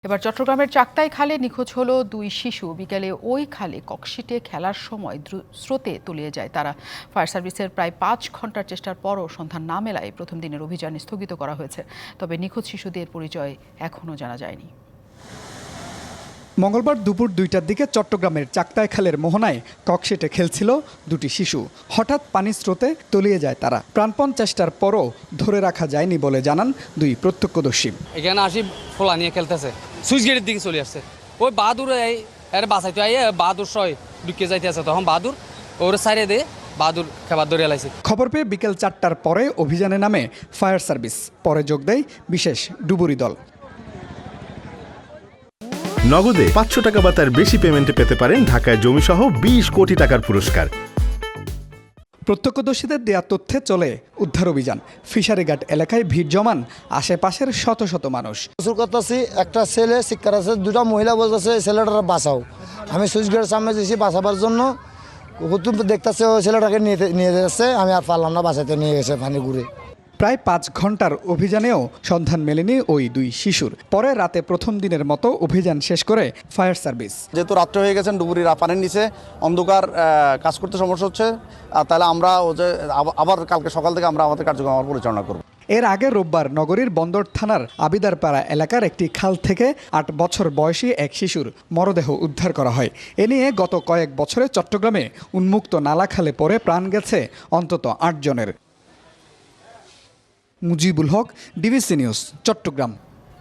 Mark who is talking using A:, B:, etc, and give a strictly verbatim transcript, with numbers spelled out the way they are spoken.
A: এবার চট্টগ্রামের চাক্তাই খালে নিখোঁজ হলো দুই শিশু। বিকেলে ওই খালে ককশিটে খেলার সময় স্রোতে তলিয়ে যায় তারা। ফায়ার সার্ভিসের প্রায় পাঁচ ঘন্টার চেষ্টার পরও সন্ধান না মেলায় প্রথম দিনের অভিযান স্থগিত করা হয়েছে। তবে নিখোঁজ শিশুদের পরিচয় এখনও জানা যায়নি।
B: মঙ্গলবার দুপুর দুইটার দিকে চট্টগ্রামের চাক্তাই খালের মোহনায় ককশিটে খেলছিল দুটি শিশু। হঠাৎ পানির স্রোতে তলিয়ে যায় তারা। প্রাণপণ চেষ্টার পরও ধরে রাখা যায়নি বলে জানান দুই প্রত্যক্ষদর্শী।
C: এখানে আসি ফোলা নিয়ে খেলতেছে, সুইচ গেটের দিকে চলে আসছে। ওই বাহাদুর এর বাসাইতে আইয়ে বাহাদুর সয় ঢুকে যাইতে আছে, তখন বাহাদুর ওর সাইডে দিয়ে বাহাদুর খাবার ধরে লাইছে।
B: খবর পেয়ে বিকেল চারটার পরে অভিযানে নামে ফায়ার সার্ভিস। পরে যোগ দেয় বিশেষ ডুবুরি দল।
D: নগদে পাঁচশো টাকা বা তার বেশি পেমেন্টে পেতে পারেন ঢাকায় জমিসহ বিশ কোটি টাকার পুরস্কার।
B: প্রত্যক্ষদর্শীদের দেয়া তথ্যে চলে উদ্ধার অভিযান। ফিশারিঘাট এলাকায় ভিড় জমান আশেপাশের শত শত মানুষ।
E: করতেছি একটা ছেলে শিক্ষার আছে, দুটা মহিলা বলতেছে ছেলেটারা বাঁচাও। আমি সুইচ গেটের সামনে দিয়েছি বাঁচাবার জন্য, দেখতেছে ওই ছেলেটাকে নিয়ে নিয়ে যাচ্ছে। আমি আর পারলাম না, বাঁচাতে নিয়ে গেছে পানি ঘুরে।
B: প্রায় পাঁচ ঘন্টার অভিযানেও সন্ধান মেলেনি ওই দুই শিশুর। পরে রাতে প্রথম দিনের মতো অভিযান শেষ করে ফায়ার সার্ভিস।
F: যেহেতু রাত্রে হয়ে গেছেন, ডুবুরি পানির নিচে অন্ধকার, কাজ করতে সমস্যা হচ্ছে, আর তাহলে আমরা ও যে আবার কালকে সকাল থেকে আমরা আমাদের কার্যক্রম আবার পরিচালনা করব।
B: এর আগে রোববার নগরীর বন্দর থানার আবিদারপাড়া এলাকার একটি খাল থেকে আট বছর বয়সী এক শিশুর মরদেহ উদ্ধার করা হয়। এ নিয়ে গত কয়েক বছরে চট্টগ্রামে উন্মুক্ত নালা খালে পড়ে প্রাণ গেছে অন্তত আট জনের। Mujibul Haque, DBC news, Chittagong.